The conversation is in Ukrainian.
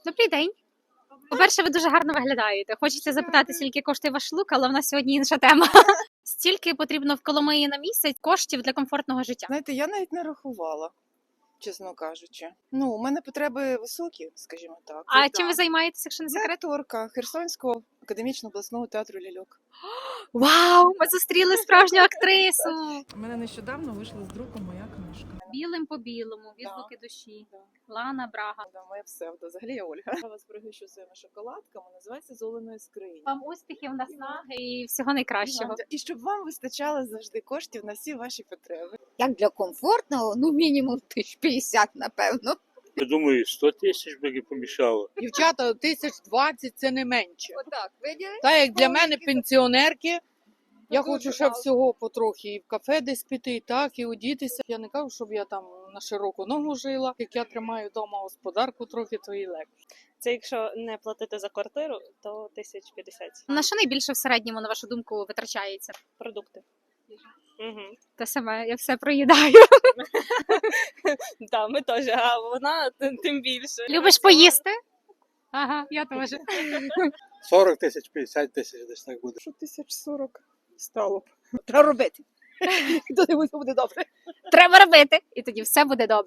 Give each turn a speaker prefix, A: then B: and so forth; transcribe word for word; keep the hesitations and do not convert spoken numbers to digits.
A: Добрий день. По-перше, ви дуже гарно виглядаєте. Хочеться запитати, скільки коштує ваш лук, але в нас сьогодні інша тема. Стільки потрібно в Коломиї на місяць коштів для комфортного життя.
B: Знаєте, я навіть не рахувала, чесно кажучи. Ну, у мене потреби високі, скажімо так.
A: А
B: Так.
A: чим ви займаєтеся, якщо не
B: Я
A: секрет?
B: акторка Херсонського академічного обласного театру ляльок.
A: Вау! Ми зустріли справжню актрису!
C: У мене нещодавно вийшла з друку моя книжка.
A: Білим по білому, відгуки душі. Лана Брага.
B: Да, моя псевдо. Взагалі я Ольга. Я вас пригощу своїми шоколадками, називається «З Оленої скрині».
A: Вам успіхів, наснаги і всього найкращого.
B: І щоб вам вистачало завжди коштів на всі ваші потреби.
D: Як для комфортного, ну мінімум тисяч п'ятдесят, напевно.
E: Я думаю, сто тисяч би не помішало.
F: Дівчата, тисяч двадцять це не менше.
D: Отак, виділи?
F: Та як для мене пенсіонерки, я
D: дуже
F: хочу ще
D: мало.
F: всього потрохи і в кафе десь піти, і так, і одітися. Я не кажу, щоб я там на широку ногу жила. Як я тримаю вдома господарку трохи, то і легше.
G: Це якщо не платити за квартиру, то тисяч п'ятдесят.
A: На що найбільше в середньому, на вашу думку, витрачається?
G: Продукти. Угу.
A: Те саме, я все проїдаю.
G: Так, ми теж, а вона тим тим більше.
A: Любиш поїсти? Ага, я теж.
E: сорок тисяч, п'ятдесят тисяч десь так буде.
B: Що тисяч сорок стало б.
D: Треба робити.
B: Тоді буде добре.
A: Треба робити, і тоді все буде добре.